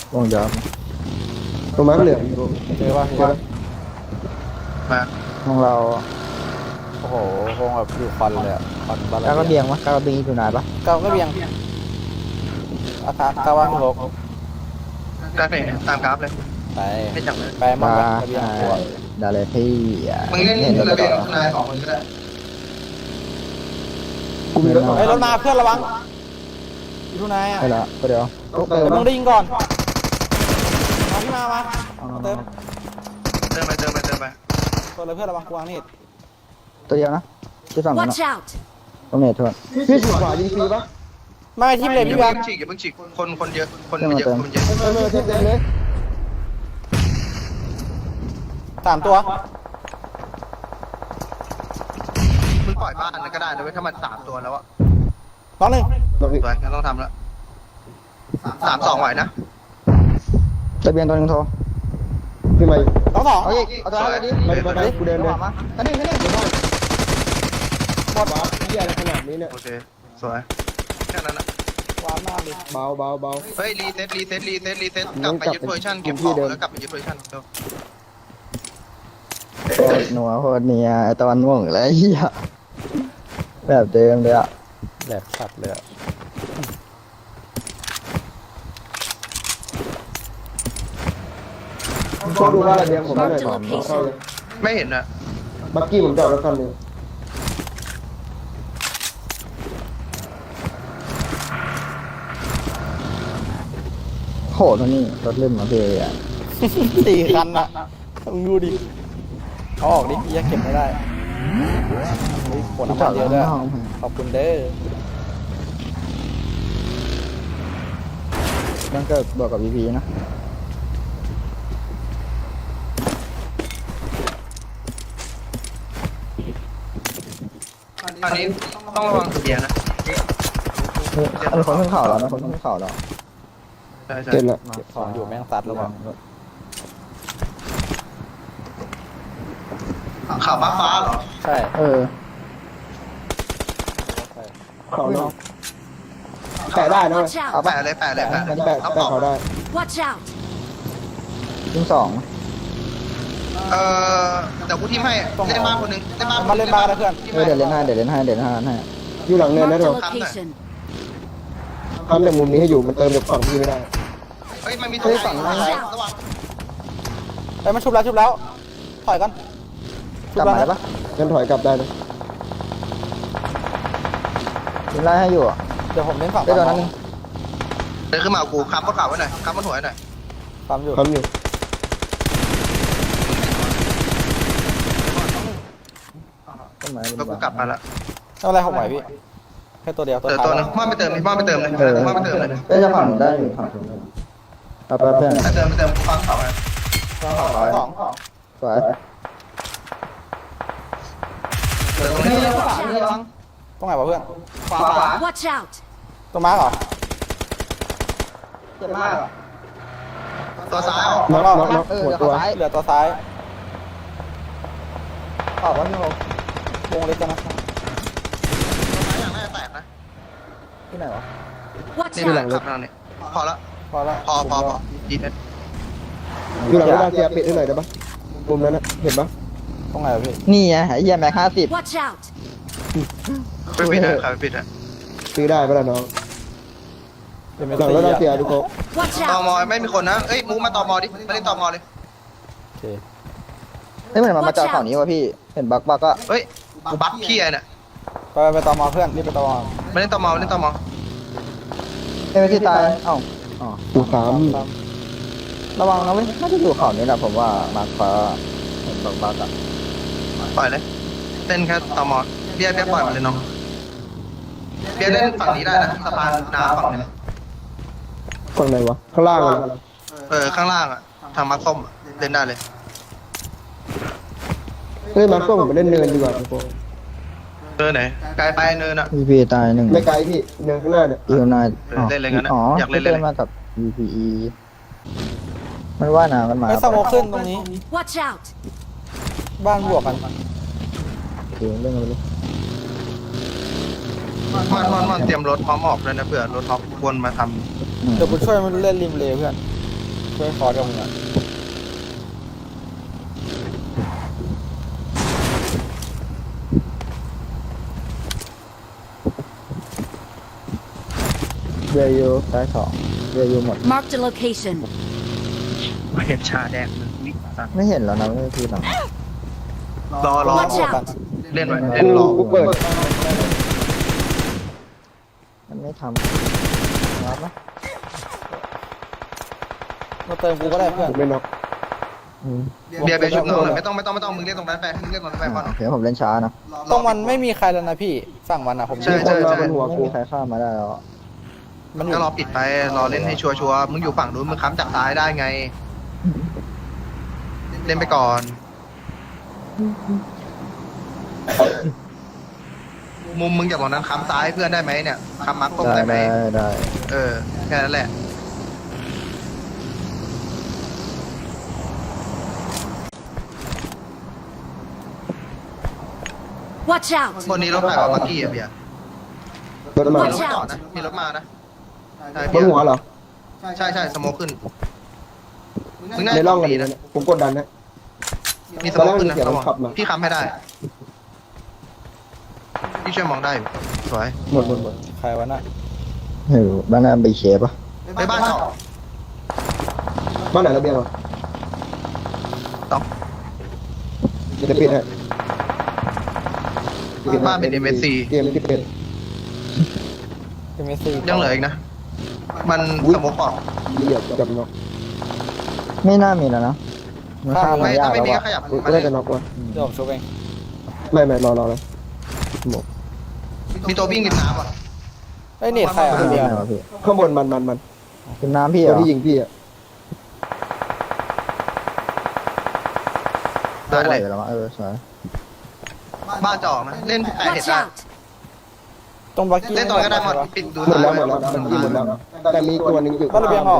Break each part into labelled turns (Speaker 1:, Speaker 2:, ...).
Speaker 1: วงยาว
Speaker 2: ตรงม้าเหลือง
Speaker 3: เจอป่ะเจอป่ะ
Speaker 4: มา
Speaker 1: วงเรา
Speaker 3: โอ้โหวงแบบอยู่ควันเลยอะควันบาลา
Speaker 1: ก้าวกระเบียงวะก้าวกระเบียงอยู่ไหนปะ
Speaker 3: เก้าก็เบียงอาคารเก้าว่างหก
Speaker 4: กราฟเนี่ยตามกราฟเลย
Speaker 3: ไป
Speaker 4: ให้จับเลย
Speaker 3: ไปมั่ง
Speaker 1: มา
Speaker 3: ระเบียงหัว
Speaker 1: ดาเลยพี่อ่ะ
Speaker 4: มึงเล่น
Speaker 1: เห็น
Speaker 4: ระ
Speaker 1: แล้ว
Speaker 4: เบียง
Speaker 1: ก็
Speaker 4: นายสองคนก็ได้
Speaker 2: กูมีรถสอง
Speaker 3: เฮ้ยรถมาเพื่อนระวังอยู่ทุนายอ่ะ
Speaker 1: ใช่ละก็เดี๋ยว
Speaker 2: ต้องเติม
Speaker 3: เดี๋ยวมึ
Speaker 2: นะ
Speaker 3: งได้ยิงก่อนมาพี่มาเติม
Speaker 4: เติมไปเติมไปเติมไป
Speaker 3: ตัวเลยเพื่อนระวังกวางนี่
Speaker 1: ตัวเดียวนะที่ฝั่งนั้น
Speaker 5: Watch out!
Speaker 1: ตรงไหนทวน
Speaker 2: พี่ฉีกขวายิงฟรีปะ
Speaker 3: ไม่ทีมเลยพี่
Speaker 4: อย่า
Speaker 3: แบ
Speaker 4: เพิ่
Speaker 3: ง
Speaker 4: งฉีกอย่าเพิ่งฉีกคนเยอะคนมันเยอะคนมันเยอะ
Speaker 2: ไม่เทียบเต็มเลย
Speaker 3: 3 ตัว
Speaker 4: มึงปล่อยบ้านนั้นก็ได้นะเว้ยถ้ามัน3 ตัวแล้วอะ
Speaker 3: น้องหนึ่ง
Speaker 2: ลงอีก
Speaker 4: สวยงั้นต้องทำแล้ว3-2ไหวนะ
Speaker 1: ระเบียงตัวหนึงโทร
Speaker 2: พี่ใหม่
Speaker 3: น้องสอง
Speaker 1: เอาอีกเอาตัวนั้นเลยดิ
Speaker 2: ไปกูเดินเลย
Speaker 1: มาอันนี้
Speaker 2: หมดวะเหี้ยอะไรขนาดนี้เนี่ย
Speaker 4: โอเคสวยแค่นั้นนะ
Speaker 3: วางมากดิ
Speaker 2: เบาเบาเบา
Speaker 4: เฮ้ยรีเซ็ตกลับไปยึดโพซิชั่นเก็บของแล้วกลับไปยึดโพซิชั่นเร็ว
Speaker 1: โคตรหนัวโคตรเนียไอตอนม่วงแล้วไอ้เหี้ยแบบเดิมเลยอ่ะ
Speaker 3: แหลกสัตว์เลยอะ
Speaker 2: ชอบดูว่าระเบียงผมไม่หน่อยเข้าเลย
Speaker 4: ไม่เห็นอะ
Speaker 2: บักกี้ผมจอดรถคันหนึ่ง
Speaker 1: โหตัวนี้รถเล่นมาพี่อ่ะ
Speaker 3: 4 คันอะมึงดูดิเอาออกดิพี่ยังเก็บไม่ได้เฮ้ยขวดน้ำมันเยอะด้วยขอบคุณเด้อ
Speaker 1: นั่นก็บอกกับ VP นะ
Speaker 4: อันนี้ต้องระวังเบียร์นะ
Speaker 1: อันคนขึ้นเขาแล้วนะคนขึ้นเขาแล้ว
Speaker 4: ใช่ใช่
Speaker 2: เจ็บละ
Speaker 3: เก็บของอยู่แม่งซัดแล้วว่ะ
Speaker 4: ข่าวฟ้าเหรอ
Speaker 3: ใช่
Speaker 1: เออ
Speaker 2: เขาเนาะแปะได้นะเว้ย
Speaker 5: Watch
Speaker 1: เอา
Speaker 5: out!
Speaker 1: ปะ
Speaker 4: แปะเลยแปะเลยแปะ
Speaker 2: มันแปะเขาได้
Speaker 5: Watch out!
Speaker 1: ยิงสอง
Speaker 4: เดี๋ยวกูทีมให้เล่นบ้านคนนึงเล่นบ้าน
Speaker 3: มาเล่นบ้านกันนะเพื่อน
Speaker 1: เดี๋ยวเล่นให้ให้
Speaker 2: อยู่หลังเนินนะ
Speaker 5: Marked
Speaker 2: เดี๋
Speaker 5: a
Speaker 2: ยว
Speaker 5: location.
Speaker 2: ทำแต่มุมนี้ให้อยู่มันเติมจากฝั่งพี่ไม่ได้
Speaker 4: เฮ้ยมันมีตัวฝั่งระวัง
Speaker 3: ไปมันชุบแล้วถอยกัน
Speaker 1: กลับมาได้ปะ
Speaker 2: งั้นถอยกลับได้นะ
Speaker 1: ยิงไล่ให้อยู่อ่ะ
Speaker 3: เดี๋ยวผมเล่นฝั่ง
Speaker 1: ได้ตัวนั้นนึง
Speaker 4: เดินขึ้นมากูค้ำบนเข่าไว้หน่อยค้ำบนหัวไว้หน่อย
Speaker 3: ปั๊มอยู่
Speaker 2: ทำอยู่
Speaker 1: ต้นไม้
Speaker 4: แล้วกูกลับมาละ
Speaker 3: ไม่เป็นไรผมไหวพี่แค่ตัวเดียวตัว
Speaker 4: เดี๋ยว
Speaker 3: ท้าย
Speaker 4: ตัวนึงว่าไปเติมเลยว่าไปเติมเลยว่าไปเติมเลย
Speaker 1: เอ้ยจะฝั่งได้อยู่ฝั่งเอาไปเพื่อน
Speaker 4: ไปเติมฟังเขาไว้
Speaker 3: สอง
Speaker 1: สวย
Speaker 4: เดี๋ยวตรงนี้
Speaker 3: ตรงไหนวะเพื่อน
Speaker 4: ขวา
Speaker 5: Watch out!
Speaker 3: ตรงมาร์กเหรอ
Speaker 1: เจ็บมาก
Speaker 4: ตัวซ้ายออก
Speaker 2: น็อกน็อก
Speaker 1: เออ
Speaker 2: หัว
Speaker 1: เดี๋ยว
Speaker 2: ตัว
Speaker 1: ซ้าย
Speaker 3: เหลือตัวซ้าย
Speaker 1: ออกว่าพี่โฮ
Speaker 3: วงเล็กกันนะ
Speaker 4: อย่างน่าจะแตกนะ
Speaker 1: ที่ไหนวะ
Speaker 5: Watch
Speaker 4: นี่หลัง
Speaker 5: out!
Speaker 4: รถนั่นนี่พอละ
Speaker 3: พอแล้ว
Speaker 4: พอดีเพชร
Speaker 2: อยู่หลังเวลาเสียปิดให้หน่อยได้ปะมุมนั้นนะเห็นปะ
Speaker 3: ตรงไหนวะพี่
Speaker 1: นี่ไงไอ้เหี้ยแม็ก50
Speaker 5: Watch out!
Speaker 4: ไปปิดอ่ะใครไปปิดอ่ะ
Speaker 2: ซื้อได้ปะล่ะน้อง
Speaker 3: เป็นเมส
Speaker 2: หลัง
Speaker 3: ซี่
Speaker 2: เวลาเสีย
Speaker 3: อะ
Speaker 2: ทุกคน
Speaker 5: Watch
Speaker 4: ตอมอ
Speaker 5: out!
Speaker 4: ไม่มีคนนะเอ้ยมูมาตอมอดิมาเล่นตอมอเลย
Speaker 3: โอเค
Speaker 1: เฮ้ยเหมือนมันมาจอดฝั่งนี้วะพี่เห็นบักก็
Speaker 4: เฮ้ยกูบัฟพี่ไอ้เนี่ย
Speaker 3: ไปต่อมอเพื่อนรีบไปต่อมอ
Speaker 4: มาเล่นตอมอเล่นตอมอ
Speaker 1: เอ้ยไม่ที่ตายเอ้าอ๋อ
Speaker 2: กูสาม
Speaker 1: ระวังนะเว้ยน่าจะอยู่เขานี้แหละผมว่ามาร์คฟ้าเห็นบักอ่ะ
Speaker 4: ปล่อยเลยเล่นแค่ตอมอเบียร์ปล่อยมาเลยน้องเบียร์เล่นฝั่งนี้ได้นะสะพานน้ำฝั่งนี้
Speaker 2: ฝั่งไหนวะข้างล่างอะ
Speaker 4: ข้างล่างอ่ะทางมัดส้มเล่นได้เลย
Speaker 2: เฮ้ยมาร์คผมไปเล่นเนินดีกว่าทุกคน
Speaker 4: เนินไหนไกลไปเนินอ่ะ
Speaker 1: VP ตายหนึ่ง
Speaker 2: ไม่ไกลพี่เนินข้างหน้าเนี่ย
Speaker 1: อีโอนาย
Speaker 4: เล่นเลยงั้นนะ
Speaker 1: อ๋ออย
Speaker 4: ากเล่นเลย
Speaker 1: มากับ VPE มันว่านะมันมา
Speaker 3: ไอ้สโมกขึ้นตรงนี้
Speaker 5: Watch out!
Speaker 3: บ้านบวกกัน
Speaker 1: โอเคเรื่องกันไปเลย
Speaker 4: มันเตรียมรถพร้อมออกเลยนะเผื่อรถท็อปวนมาทำ
Speaker 3: เดี๋ยวกูช่วยมันเล่นริมเลยเพื่อนช่วยคอร์ดกับมึงอ่ะ
Speaker 1: เบียร์ยูซ้ายสองเบียร์ยูหมด
Speaker 5: Marked a location.
Speaker 4: มาเห็นชาแดงมันวิ่งตัด
Speaker 1: ไม่เห็นแล้วนะไม่ได้พี่หรอก
Speaker 4: รอ
Speaker 5: Watch
Speaker 3: บวกกั
Speaker 5: out.
Speaker 3: น
Speaker 4: เล่นไว้เล่นรอ
Speaker 2: กูเปิด
Speaker 1: มันไม่ทำรับปะ
Speaker 3: มาเติมกูก็ได้เพื่อน
Speaker 2: ผมไม่น็อก
Speaker 4: เบียร์ชุบน้องหน่อยไม่ต้องมึงเล่นตรงนั้นไปมึงเล่นตรงนั้นไปก่อน
Speaker 1: โอเคผมเล่นช้านะ
Speaker 3: ตรงมันไม่มีใครแล้วนะพี่ฝั่งมันอะผม
Speaker 4: ใช่
Speaker 2: มีคนมาบนหัว
Speaker 1: ไม่
Speaker 2: กู
Speaker 1: มีใครข้ามมาได้แล้วอะ
Speaker 3: มันอยู่
Speaker 4: ก็รอปิดไปรอเล่นให้ชัวร์มึงอยู่ฝั่งนู้นมึงค้ำจากซ้ายได้ไง เล่นไปก่อน มุมมึงจากตรงนั้นค้ำซ้ายเพื่อนได้ไหมเนี่ยค้ำมาร์คตรง
Speaker 1: ได้
Speaker 4: ได้ไหม
Speaker 1: ได้
Speaker 4: เออแค่นั้นแหละ
Speaker 5: Watch out.
Speaker 4: บนนี้รถใครวะเมื่อกี้อะเบียร์
Speaker 2: รถมา
Speaker 4: มีรถจอดนะมีรถมานะใช่
Speaker 2: บ
Speaker 4: เบีย
Speaker 2: น
Speaker 4: ร์
Speaker 2: หัวเหรอ
Speaker 4: ใช่สโมกขึ้นมึงน่า
Speaker 2: ใน
Speaker 4: จะ
Speaker 2: ร่องกัน
Speaker 4: ดี
Speaker 2: นะ
Speaker 4: นะ
Speaker 2: ผมกดดันนะ
Speaker 4: มีสโมกขึ้นนะ
Speaker 2: ตอนแรกมีเสียง
Speaker 4: ระวัง
Speaker 2: ขับมา
Speaker 4: พี่ค้ำให้ได้พี่ช่วยมองได้อยู่สวย
Speaker 2: หมด
Speaker 3: ใครวะน่ะ
Speaker 1: เฮ้ยบ้านน้าไปเคปะ
Speaker 4: ไปบ้านเจาะ
Speaker 2: บ้านไหนระเบียงวะ
Speaker 4: ต้อง
Speaker 2: จะปิดให้
Speaker 4: บ้านเป็น MSC
Speaker 2: เกมที่เป็น
Speaker 3: เป็นเมสซี่
Speaker 4: ยังเหลืออีกนะ มันสโมกออก
Speaker 2: เหยียบจับน็อก
Speaker 1: ไม่น่ามีแล้วนะมันข้าม
Speaker 4: ไม่
Speaker 1: มายา
Speaker 4: ถ้าก ไม่
Speaker 1: แล้ว
Speaker 4: มีก็
Speaker 1: อะ
Speaker 4: ขยับ
Speaker 2: กู
Speaker 4: มา
Speaker 2: ได้
Speaker 4: เลย
Speaker 2: จะน็อกวะ
Speaker 3: เดี๋ยวผมชุบเอง
Speaker 2: ไม่รอเลย
Speaker 4: มีตัววิ่งริมน้ำอ่ะ
Speaker 3: ไอ้ยเน็ตใครอ่ะ
Speaker 1: ไม่
Speaker 3: เบียร์
Speaker 1: ได้วะพี่
Speaker 2: ข้างบนมัน
Speaker 1: เป็นน้ำพี่เห
Speaker 2: ตั
Speaker 1: ร
Speaker 2: ว
Speaker 1: อ
Speaker 2: ที่ยิงพี่อ่ะ
Speaker 4: ได้เลย
Speaker 1: แล้วมั้งสวย
Speaker 4: บ้านเจาะนะเล่นแต่เห็น
Speaker 5: Watch
Speaker 4: ได้
Speaker 5: out.
Speaker 3: ตรงบักกี้
Speaker 4: เล่นตอนก็ได้หมดปิดดู
Speaker 2: หมด
Speaker 4: ซ้าย
Speaker 2: แล้วมันยิงหมดแล้วแต่มีตัวนึงอยู่
Speaker 3: บ้านระเบียงออก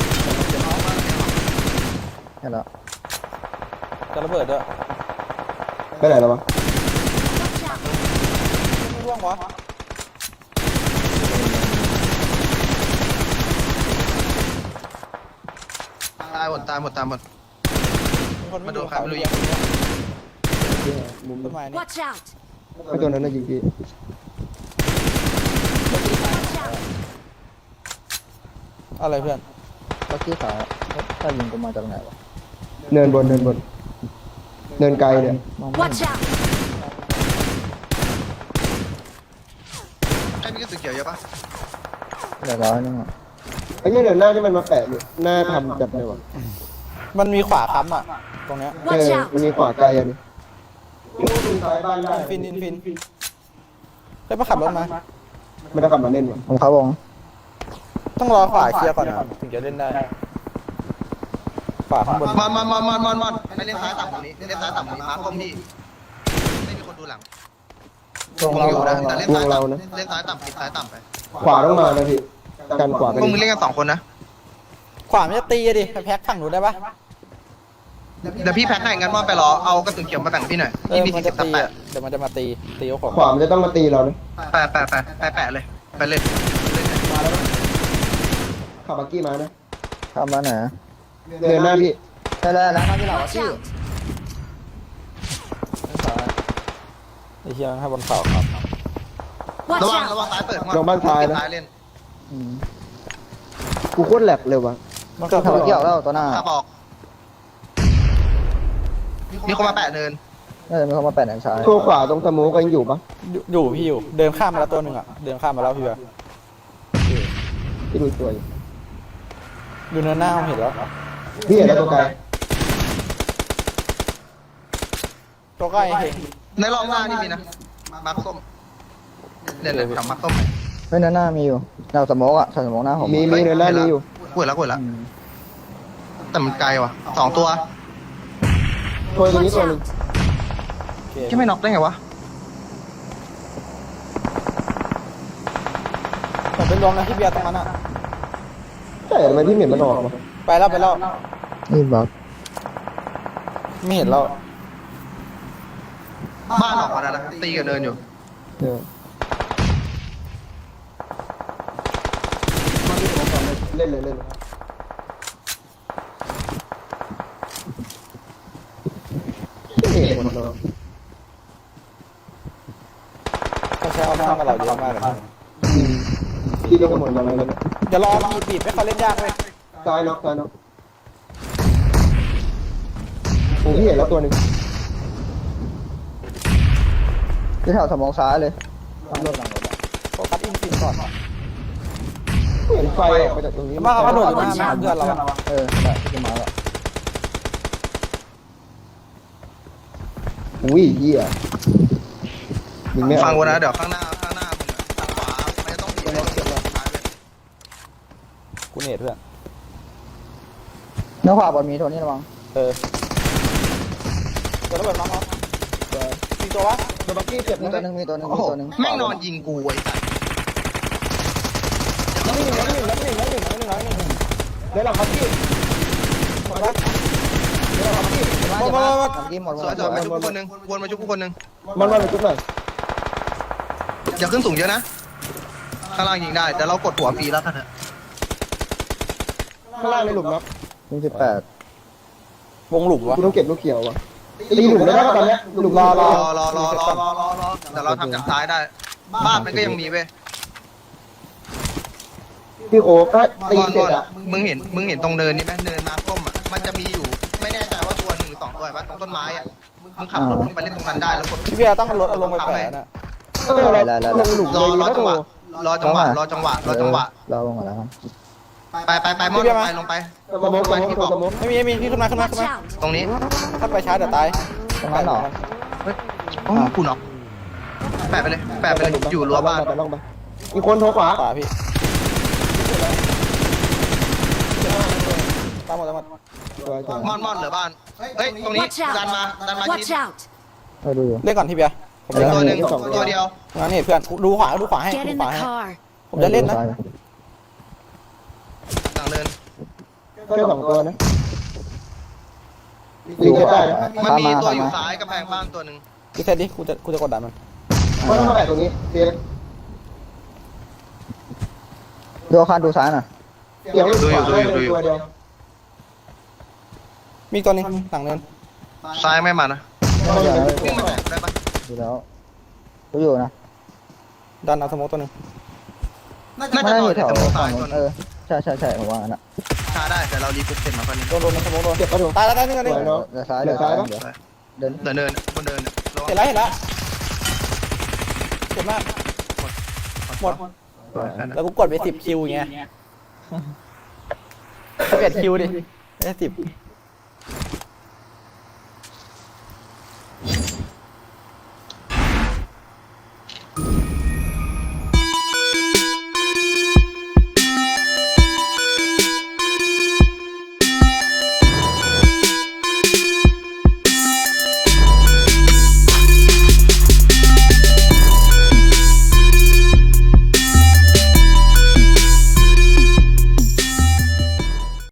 Speaker 1: แค่แล้ว
Speaker 3: จะระเบิดด้วย
Speaker 2: ไปไหนแล้ววะ
Speaker 5: Watch out.
Speaker 3: ไม่ร่วงวะ
Speaker 4: ตายหมด
Speaker 3: มีคน
Speaker 4: มาโดนใครไม่รู้ยิ
Speaker 3: ยิ
Speaker 4: ง
Speaker 2: มุม
Speaker 3: ต้นไม้นี่
Speaker 5: Watch out.
Speaker 2: ไอ้ตัวนั้นน่ะยิงพี่
Speaker 5: Watch out.
Speaker 3: อะไรเพื่อน
Speaker 1: แล้วที่ขาถ้ายิงกูมาจากไหนวะ
Speaker 2: เนินบนเนินไกลเนี่ย
Speaker 1: มองไม่
Speaker 5: Watch
Speaker 1: เห็น
Speaker 5: out.
Speaker 4: ใครมีกระสุนเขียวเยอะปะ
Speaker 1: เหลือ100นึงอะ
Speaker 2: ไอ้เนี่ยเดี๋ยวหน้าที่มันมาแปะอยู่หน้าทำจับเลยวะ
Speaker 3: มันมีขวาค้ำอ่ะตรงเนี้ย
Speaker 5: Watch out.
Speaker 2: มันมีขวาไกลอ่ะนี่ซ้ายบ้านได้
Speaker 3: ฟินเฮ้ยมาขับรถมา
Speaker 2: ไม่ได้ขับมาเล่นวะ
Speaker 1: ผมเข้าวง
Speaker 3: ต้องรอขวาเคลียร์ก่อนนะถึงจะเล่นได้ขวาข้างบน
Speaker 4: มันไปเล่นซ้ายต่ำตรงนี้เล่นซ้ายต่ำตรงนี้มาร์คก้มที่ไม่มีคนดูหลัง
Speaker 1: วง
Speaker 4: คง
Speaker 1: เรา
Speaker 4: อยู่นะ
Speaker 1: วง
Speaker 4: แต่
Speaker 1: เรา
Speaker 4: เล่นซ้ายต่ำเล่นซ้ายต่ำปิดซ้ายต่ำไป
Speaker 2: ขวาต้องมานะพี่กันขวากัน
Speaker 4: พวกมึงเล่นกัน2 คนนะ
Speaker 3: ขวามันจะตีอะดิไปแพ็คฝั่งหนูได้ปะ
Speaker 4: เดี๋ยวพี่แพ็คให้งั้นว่าไปรอเอากระสุนเขียวมาแบ่งพี่หน่อย
Speaker 3: เออ
Speaker 4: พี่มี
Speaker 3: มัน
Speaker 4: 40
Speaker 3: จะ
Speaker 4: ตับ
Speaker 3: ตี
Speaker 4: แปะ
Speaker 3: อะเดี๋ยวมันจะมาตีเอาของ
Speaker 2: ขวามันจะต้องมาตีเรานะ
Speaker 4: แปะเลยไปเล่น
Speaker 2: ขับบักกี้มานะ
Speaker 1: ข้ามมาไหน
Speaker 2: เนินหน้าพี่
Speaker 1: ใช่แล้วนะข้ามที่หลัง
Speaker 5: Watch
Speaker 1: พี่
Speaker 5: out.
Speaker 3: ไอ้เหี้ยให้บนเขาครับ
Speaker 5: Watch
Speaker 4: ระวัง
Speaker 5: out.
Speaker 4: ซ้ายเปิด
Speaker 2: ลงบ้านซ้ายนะ
Speaker 4: ซ้ายเล่น
Speaker 1: อืม
Speaker 2: กูโคตรแหลกเลยวะ
Speaker 3: มัน
Speaker 1: ก็
Speaker 3: ขับ
Speaker 1: ทำเกี่ยวแล้วตัวหน้า
Speaker 4: ขับออกมีคนมาแปะเนิน
Speaker 1: น่าจะมีคนมาแปะแหนซ้าย
Speaker 2: ตัวขวาตรงสมูก็ยังอยู่ปะ
Speaker 3: อยู่พี่อยู่เดินข้ามมาแล้วตัวหนึ่งอ่ะเดินข้ามมาแล้วพี่อะ
Speaker 2: พี่ดูตัวอยู่
Speaker 3: อยู่เนินหน้าผมเห็นแล้ว
Speaker 2: พี่เห็นแล้วตัวไกล
Speaker 3: ตัวใกล้เห็น
Speaker 4: ในรอบหน้านี่มีนะมาร์คส้มเล่นเลยกับมาร์คส้ม
Speaker 1: เฮ้ยหน้ามีอยู่เราสโมกอะใส่สโมกหน้าผม
Speaker 2: มีเนินหน้านี้อยู่
Speaker 4: กดแล้ว
Speaker 1: อืม
Speaker 4: แต่มันไกลว่ะ2 ตัว
Speaker 2: ตัวตรงนี้
Speaker 5: Watch
Speaker 2: ตัวหนึง
Speaker 5: out.
Speaker 3: โอเค
Speaker 4: ที่ไม่น็อกได้ไงวะ
Speaker 3: ผมไปรวมนะที่เบียร์ตรงนั้นอ่ะ
Speaker 2: ใช่ทำไมพี่เหม็นมันออกวะ
Speaker 3: ไปแล้ว
Speaker 1: นี่บล็อก
Speaker 3: ไม่เห็นแล้ว
Speaker 4: บ้านออกมาแล้วนะตีกับเนินอยู่
Speaker 2: เออเล่นเลย
Speaker 3: ข้างกับเราเยอะมากเลย
Speaker 2: ที่ก็หมดมาแล้ว
Speaker 3: อย่ารอบีบให้เขาเล่นยากเลย
Speaker 2: ซ้ายน็อกโอ้พี่เห็นแล้วตัวหนึ่ง
Speaker 1: ที่แถวสมองซ้ายเลย
Speaker 3: โฟกัสอินฟินก่อน
Speaker 2: เห็นไฟออกมาจากตรงนี้
Speaker 3: มาเขากระโดดอยู่หน้าแม่เพื่อนเรา
Speaker 1: ได้ที่มาแล้ว
Speaker 2: อุ้ยเหี้ยยิงไม่
Speaker 4: ฟัง
Speaker 2: เอา
Speaker 4: กูนะเดี๋ยวข้างหน้ามึงอะทางขวามันจะต้องบีบให้เก็บเลย
Speaker 3: กูเนตเพื่อน
Speaker 1: เนื้อขวาบอลมีโทนี่ระวัง
Speaker 3: เตัวระเบิดน้องเขามีตัววะ
Speaker 2: โดนบักกี้เจ็บ
Speaker 1: มี
Speaker 2: นะ
Speaker 1: ตัวหนึ่งมีตัวหนึ่งมีตัวหนึ่ง
Speaker 4: แม่งนอนยิงกูไอ้สัส
Speaker 3: แล้วหนึ่ง
Speaker 2: เดี๋ยวเราบักกี้
Speaker 3: หมดละ
Speaker 1: กินหมด
Speaker 4: สวยๆไปชุบคนหนึ่งวนมาชุบคนหนึ่ง
Speaker 2: มันไปจุดหน่อย
Speaker 4: อย่าขึ้นสูงเยอะนะข้างล่างยิงได้แต่เรากดหัวฟรีแล้วกันเถอะ
Speaker 2: ข้างล่างในหลุมน็อก
Speaker 1: มี18
Speaker 3: วงหลุมวะ
Speaker 2: กูต้องเก็บลูกเขียววะตีหลุมได้ป่ะตอนนี้หลุม
Speaker 4: รอเดี๋ยวเราทำจากซ้ายได้บ้านมันก็ยังมีเว้ย
Speaker 2: พี่โอ๊ก็ตี
Speaker 4: ก่อน
Speaker 2: เสร็จอ่ะ
Speaker 4: มึงเห็นตรงเนินนี่ไหมเนินมาส้มอ่ะมันจะมีอยู่ไม่แน่ใจว่าตัวหนึ่งหรือสองตัวว่าตรงต้นไม้อ่ะมึงขับรถลงไปเล่นตรงนั้นได้แล้วกด
Speaker 3: พี่เบียร์ต้องรถเอาลงไปแฝงน่ะ
Speaker 2: ลงหลุม
Speaker 4: ร
Speaker 2: เล
Speaker 4: อย
Speaker 2: ดี
Speaker 4: รอ
Speaker 2: นะ
Speaker 4: จั
Speaker 2: โถ
Speaker 4: งหวะรอจังหวะ
Speaker 1: เราลงมาแล้วครับ
Speaker 4: ไปมอนลงไป
Speaker 2: สมองที่บอก
Speaker 3: ไม่มีพี่ขึ้นมา
Speaker 5: Watch out!
Speaker 4: ตรงนี้
Speaker 3: ถ้าไปช้าเดี๋ยวตาย
Speaker 1: ตรงนั้นเหรอ
Speaker 4: กูน็อกแปะไปเลยอยู่รั้วบ้าน
Speaker 2: ลงไปมีคนโทรขวา
Speaker 3: ป่าพี่ตามหมด
Speaker 4: มอนเหลือบ้านเฮ้ยตรงนี้
Speaker 5: Watch
Speaker 4: ดันมา
Speaker 5: out!
Speaker 4: ชิ
Speaker 5: Watch
Speaker 4: ด
Speaker 5: out!
Speaker 1: ดูอยู่
Speaker 3: เล่นก่อนพี่เบียร์ผม
Speaker 4: ตัวหนึ่ง
Speaker 2: สองตัว
Speaker 4: ตัวเดียว
Speaker 3: งั้นนี่เพื่อนดูขวาให้
Speaker 5: Get
Speaker 3: ดู
Speaker 5: in
Speaker 3: ขวา
Speaker 5: the
Speaker 3: ให้
Speaker 5: car.
Speaker 3: ผมจะเล่นนะ
Speaker 4: ต่างเดิน
Speaker 2: แค่2ตัวนะลิงจะได้นะ
Speaker 4: มันมีตัวอยู่ซ้ายกำแพงบ้านตัวหนึ่ง
Speaker 3: พี่เซ็ตดิกูจะกดดันมัน
Speaker 2: เพราะต้องมาแปะตรงนี้เสียง
Speaker 1: ดูข้างดูซ้ายหน่อย
Speaker 2: เสียงตัวเดียว
Speaker 3: มีตัวนึงหลังเนิน
Speaker 4: ซ้ายไม่มานะ
Speaker 1: ไม่อย่างนั้น
Speaker 4: วิ่งมาแตะได้ปะ
Speaker 1: ดูแล้วดูอยู่นะ
Speaker 3: ดันเอาสโมกตัวนึง
Speaker 4: น่า
Speaker 1: ไม่
Speaker 4: จะ
Speaker 1: ได้
Speaker 4: นอ
Speaker 1: อน ยู่แถ
Speaker 4: แต่
Speaker 1: ว
Speaker 4: ตัว
Speaker 1: ฝั่
Speaker 4: ซ้าง ย
Speaker 1: นู้
Speaker 4: ตัวน นึ
Speaker 1: เอง อใช่ผมว่างั้นอ่ะ
Speaker 4: ช้าได้แต่เรารีบเสร็จมาคนนี้
Speaker 3: โดนสโมกโดน
Speaker 2: เจ็บปะถูก
Speaker 3: ตายแล้วนี่กันดิ
Speaker 2: สวยเนาะ
Speaker 1: เดี๋ยวซ้ายเดี๋ยวซ้ายเดี๋ยวเดิน
Speaker 4: เดินบนเดิน
Speaker 3: เห็นแล้วเจ็บมากหมดแล้วกูกดไป10 คิวอย่างเงี้ย11 คิวดิได้10